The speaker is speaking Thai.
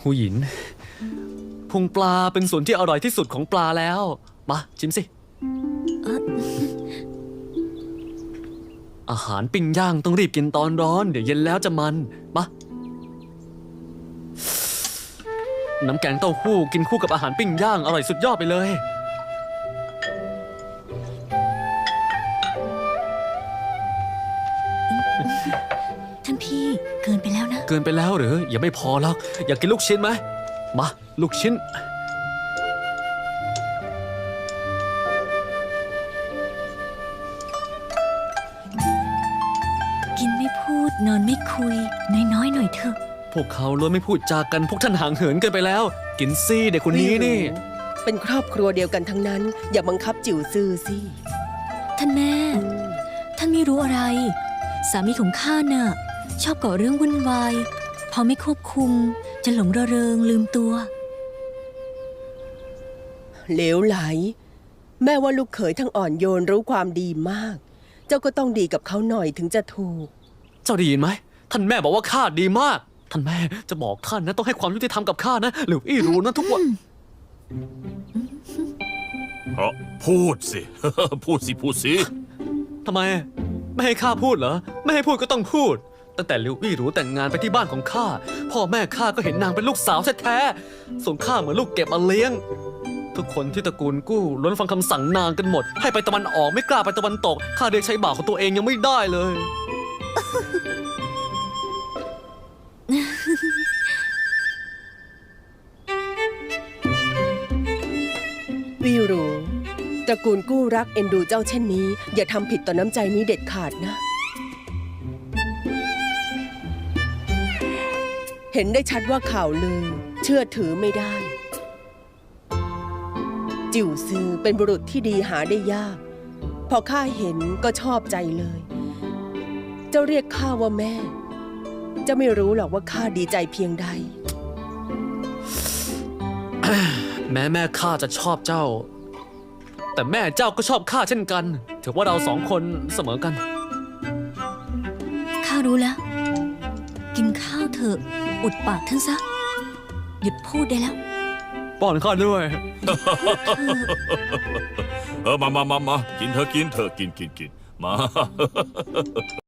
หูหยินพุงปลาเป็นส่วนที่อร่อยที่สุดของปลาแล้วมาชิมสิอาหารปิ้งย่างต้องรีบกินตอนร้อนเดี๋ยวเย็นแล้วจะมันมาน้ำแกงเต้าหู้กินคู่กับอาหารปิ้งย่างอร่อยสุดยอดไปเลยท่านพี่เกินไปแล้วนะเกินไปแล้วหรือยังไม่พอหรอกอยากกินลูกชิ้นไหมมาลูกชิ้นกินไม่พูดนอนไม่คุยน้อยๆหน่อยเถอะพวกเขาล้วนไม่พูดจากันพวกท่านห่างเหินเกินไปแล้วกินซี่เด็กคนนี้นี่เป็นครอบครัวเดียวกันทั้งนั้นอย่าบังคับจิ๋วซื่อสิท่านแม่ท่านไม่รู้อะไรสามีของข้าน่ะชอบก่อเรื่องวุ่นวายพอไม่ควบคุมจะหลงระเริงลืมตัวเหลวไหลแม่ว่าลูกเขยทั้งอ่อนโยนรู้ความดีมากเจ้าก็ต้องดีกับเขาหน่อยถึงจะถูกเจ้าได้ยินไหมท่านแม่บอกว่าข้าดีมากท่านแม่จะบอกท่านนะต้องให้ความยุติธรรมกับข้านะหรืออี้รู้นะทุกวันพูดสิ พูดสิทำไมไม่ให้ข้าพูดเหรอไม่ให้พูดก็ต้องพูดตั้งแต่ลิวอี้รู้แต่งงานไปที่บ้านของข้าพ่อแม่ข้าก็เห็นนางเป็นลูกสาวแท้ๆส่งข้าเหมือนลูกเก็บมาเลี้ยงทุกคนที่ตระกูลกู้ล้วนฟังคำสั่งนางกันหมดให้ไปตะวันออกไม่กล้าไปตะวันตกข้าเรียกใช้บ่าวของตัวเองยังไม่ได้เลยวิรูตระกูลกู้รักเอ็นดูเจ้าเช่นนี้อย่าทำผิดต่อน้ำใจนี้เด็ดขาดนะเห็นได้ชัดว่าข่าวลือเชื่อถือไม่ได้จิ๋วซือเป็นบุรุษที่ดีหาได้ยากพอข้าเห็นก็ชอบใจเลยเจ้าเรียกข้าว่าแม่เจ้าไม่รู้หรอกว่าข้าดีใจเพียงใดแม้แม่ข้าจะชอบเจ้าแต่แม่เจ้าก็ชอบข้าเช่นกันถือว่าเราสองคนเสมอกันข้ารู้แล้วกินข้าวเถอะอุดปากท่านซะหยุดพูดได้แล้วป้อนข้าด้วยมากินเถอะกินมา